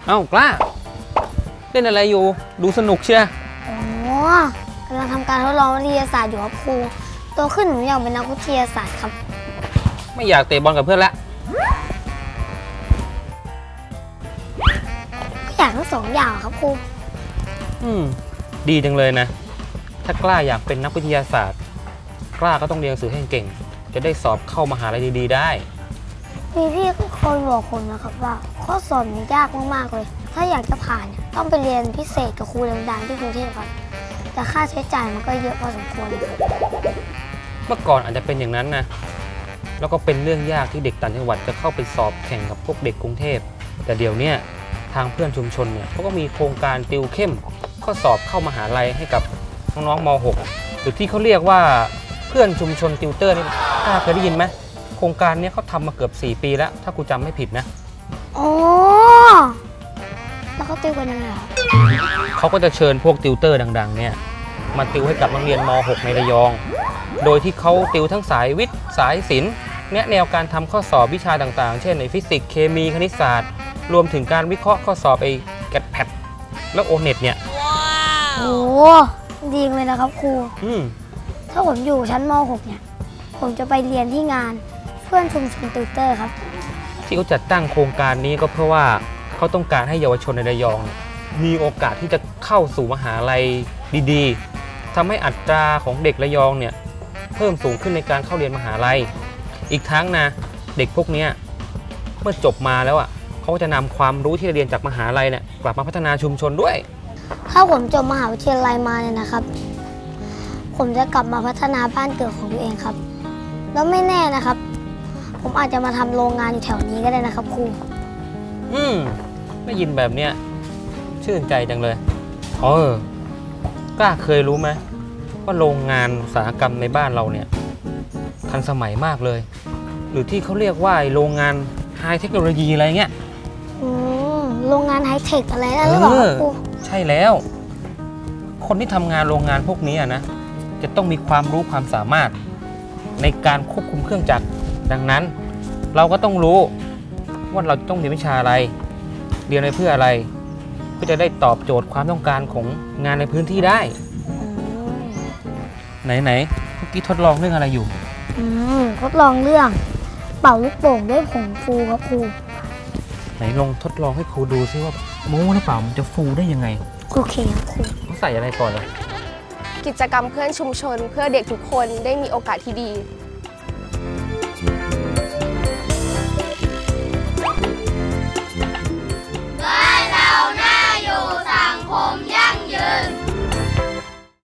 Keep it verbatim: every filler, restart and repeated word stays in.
เอ้ากล้าเล่นอะไรอยู่ดูสนุกเชียอ๋อกำลังทำการทดลองวิทยาศาสตร์อยู่ครับครูโตขึ้นหนูอยากเป็นนักวิทยาศาสตร์ครับไม่อยากเตะบอลกับเพื่อนละก็อยากทั้งสองอย่างครับครูอืมดีจังเลยนะถ้ากล้าอยากเป็นนักวิทยาศาสตร์กล้าก็ต้องเรียนหนังสือให้เก่งจะได้สอบเข้ามหาลัยดีๆได้มีพี่คนบอกผมนะครับว่าข้อสอบมันยากมากๆเลยถ้าอยากจะผ่านต้องไปเรียนพิเศษกับครูดังๆที่กรุงเทพครับแต่ค่าใช้จ่ายมันก็เยอะพอสมควรเลยเมื่อก่อนอาจจะเป็นอย่างนั้นนะแล้วก็เป็นเรื่องยากที่เด็กต่างจังหวัดจะเข้าไปสอบแข่งกับพวกเด็กกรุงเทพแต่เดี๋ยวนี้ทางเพื่อนชุมชนเนี่ยเขาก็มีโครงการติวเข้มข้อสอบเข้ามหาลัยให้กับน้องๆม หก หรือที่เขาเรียกว่าเพื่อนชุมชนติวเตอร์นี่กล้าเคยได้ยินไหมโครงการนี้เขาทำมาเกือบสี่ปีแล้วถ้ากูจำไม่ผิดนะอ๋อแล้วเขาติวกันยังไงเขาก็จะเชิญพวกติวเตอร์ดังๆเนี่ยมาติวให้กับนักเรียนม หก ในระยองโดยที่เขาติวทั้งสายวิทย์สายศิลป์แนะแนวการทำข้อสอบวิชาต่างๆเช่นในฟิสิกส์เคมีคณิตศาสตร์รวมถึงการวิเคราะห์ข้อสอบไอ้แกดแพดแล้วโอเน็ตเนี่ยโอ้ดีเลยนะครับครูอืมถ้าผมอยู่ชั้นม หก เนี่ยผมจะไปเรียนที่งานเพื่อนชุมชนติวเตอร์ครับที่เขาจัดตั้งโครงการนี้ก็เพราะว่าเขาต้องการให้เยาวชนในระยองมีโอกาสที่จะเข้าสู่มหาลัยดีๆทำให้อัตราของเด็กระยองเนี่ยเพิ่มสูงขึ้นในการเข้าเรียนมหาลัยอีกทั้งนะเด็กพวกนี้เมื่อจบมาแล้วอ่ะเขาจะนำความรู้ที่เรียนจากมหาลัยเนี่ยกลับมาพัฒนาชุมชนด้วยถ้าผมจบมหาวิทยาลัยมาเนี่ยนะครับผมจะกลับมาพัฒนาบ้านเกิดของตัวเองครับแล้วไม่แน่นะครับผมอาจจะมาทำโรงงานอยู่แถวนี้ก็ได้นะครับครูอืมได้ยินแบบเนี้ยชื่นใจจังเลยเออกล้าเคยรู้ไหมว่าโรงงานอุตสาหกรรมในบ้านเราเนี่ยทันสมัยมากเลยหรือที่เขาเรียกว่าโรงงานไฮเทคโนโลยีอะไรเงี้ยอืมโรงงานไฮเทคอะไรนั่นหรือเปล่าครับครูใช่แล้วคนที่ทำงานโรงงานพวกนี้นะจะต้องมีความรู้ความสามารถในการควบคุมเครื่องจักรดังนั้นเราก็ต้องรู้ว่าเราต้องเรียนวิชาอะไรเรียนไปเพื่ออะไรเพื่อจะได้ตอบโจทย์ความต้องการของงานในพื้นที่ได้ไหนๆเมื่อกี้ทดลองเรื่องอะไรอยู่อืมทดลองเรื่องเป่าลูกโป่งด้วยผงฟูครับครูไหนลองทดลองให้ครูดูซิว่าโม้หรือเปล่ามันจะฟูได้ยังไงโอเคครับครูเขาใส่อะไรก่อนเลยกิจกรรมเพื่อนชุมชนเพื่อเด็กทุกคนได้มีโอกาสที่ดี